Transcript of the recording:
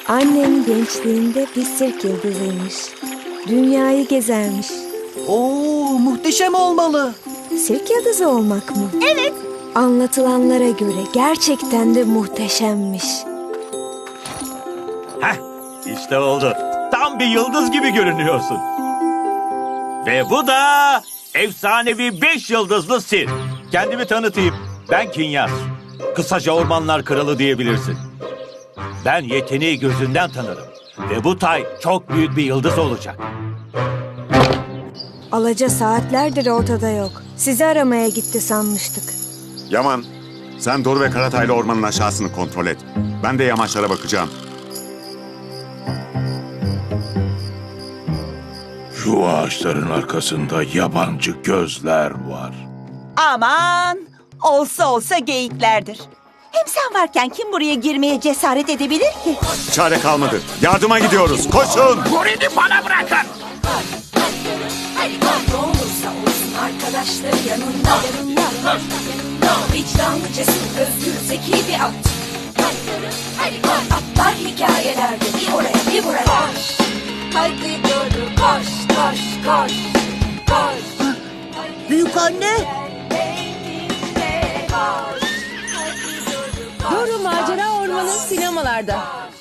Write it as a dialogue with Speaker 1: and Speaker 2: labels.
Speaker 1: Annem gençliğinde bir sirk yıldızıymış. Dünyayı gezermiş.
Speaker 2: Oo, muhteşem olmalı.
Speaker 1: Sirk yıldızı olmak mı?
Speaker 3: Evet.
Speaker 1: Anlatılanlara göre gerçekten de muhteşemmiş.
Speaker 4: Heh, işte oldu. Tam bir yıldız gibi görünüyorsun. Ve bu da efsanevi 5 yıldızlı sirk. Kendimi tanıtayım. Ben Kinyas. Kısaca ormanlar kralı diyebilirsin. Ben yeteneği gözünden tanırım. Ve bu tay çok büyük bir yıldız olacak.
Speaker 1: Alaca saatlerdir ortada yok. Sizi aramaya gitti sanmıştık.
Speaker 5: Yaman, sen Doru ve Karatay'la ormanın aşağısını kontrol et. Ben de yamaçlara bakacağım.
Speaker 6: Şu ağaçların arkasında yabancı gözler var.
Speaker 3: Aman, olsa olsa geyiklerdir. Hem sen varken kim buraya girmeye cesaret edebilir ki?
Speaker 5: Çare kalmadı. Yardıma gidiyoruz. Koşun!
Speaker 6: Gorili bana bırakın!
Speaker 7: Ne olursa olsun arkadaşları yanında. Vicdanlı, cesur, özgür, zeki bir at. Atlar hikayelerde bir oraya bir buraya. Koş, hadi Doru koş, koş, koş, koş.
Speaker 3: Büyük anne.
Speaker 7: Koş, hadi Doru koş.
Speaker 8: Doru Macera Ormanı sinemalarda.